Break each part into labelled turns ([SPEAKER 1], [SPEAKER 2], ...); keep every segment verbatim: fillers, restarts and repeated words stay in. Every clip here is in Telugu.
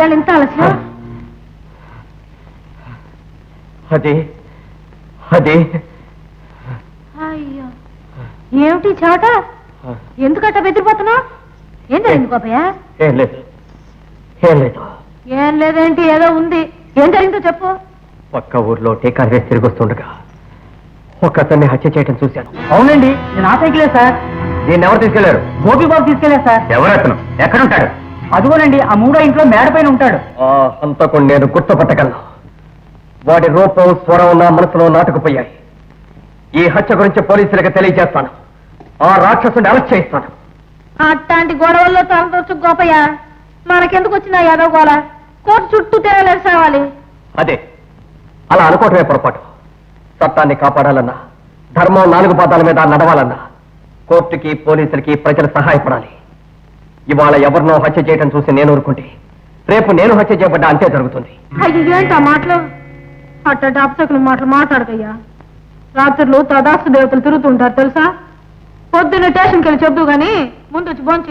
[SPEAKER 1] ఇవాళ ఇంత ఆలస్యం?
[SPEAKER 2] అదే అదే
[SPEAKER 1] అయ్యో, ఏమిటి చోట? ఎందుకట్ట బెదిరిపోతున్నావు? ఏం జరిగింది గోపయ్య?
[SPEAKER 2] ఏం లేదు ఏం లేదు
[SPEAKER 1] ఏం లేదేంటి, ఏదో ఉంది. ఏం జరిగిందో చెప్పు.
[SPEAKER 2] పక్క ఊర్లో టీకా వేసి తిరిగి వస్తుండగా ఒక అతన్ని హత్య చేయటం చూశాను.
[SPEAKER 3] అవునండి, నేను ఆ సైకిలే సార్.
[SPEAKER 2] దీన్ని ఎవరు తీసుకెళ్లారు?
[SPEAKER 3] గోపి బాబు తీసుకెళ్లే సార్.
[SPEAKER 2] ఎవరు అతను? ఎక్కడుంటాడు?
[SPEAKER 3] అదిగోనండి, ఆ మూడో ఇంట్లో మేడ పైన ఉంటాడు.
[SPEAKER 2] ఆ హంతకుడు నేను గుర్తుపట్టగలను. వాడి రూపం స్వరం నా మనసులో నాటుకుపోయాయి. ఈ హత్య గురించి పోలీసులకు తెలియజేస్తాను. ఆ రాక్షసుని అరెస్ట్ చేయిస్తాను.
[SPEAKER 1] అట్లాంటి గొడవల్లో తలదొచ్చు గోపయ్య. మనకెందుకు వచ్చిన యాదవ్ గోళ? కోర్టు చుట్టూ తిరగలేదు సావాలి.
[SPEAKER 2] అదే, అలా అనుకోవటమే పొరపాటు. చట్టాన్ని కాపాడాలన్నా, ధర్మం నాలుగు పాదాల మీద నడవాలన్నా కోర్టుకి, పోలీసులకి ప్రజలు సహాయపడాలి. ఇవాళ ఎవరినో హత్య చేయడం చూసి నేను ఊరుకుంటే రేపు నేను హత్య చేయబడ్డా అంతే జరుగుతుంది.
[SPEAKER 1] అయ్యి ఏంటి ఆ మాటలు? అట్టంటే అప్సకులు మాటలు మాట్లాడకయ్యా. రాత్రులు తదాస్తు దేవతలు తిరుగుతుంటారు తెలుసా? పొద్దున్న స్టేషన్కి వెళ్ళి చెబుతూ గాని ముందు వచ్చి బోంచి.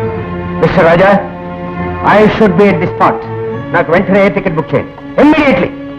[SPEAKER 2] Mister Raja, I should be at the spot. నాకు వెంటనే టికెట్ బుక్ చేయండి, ఇమ్మీడియట్లీ.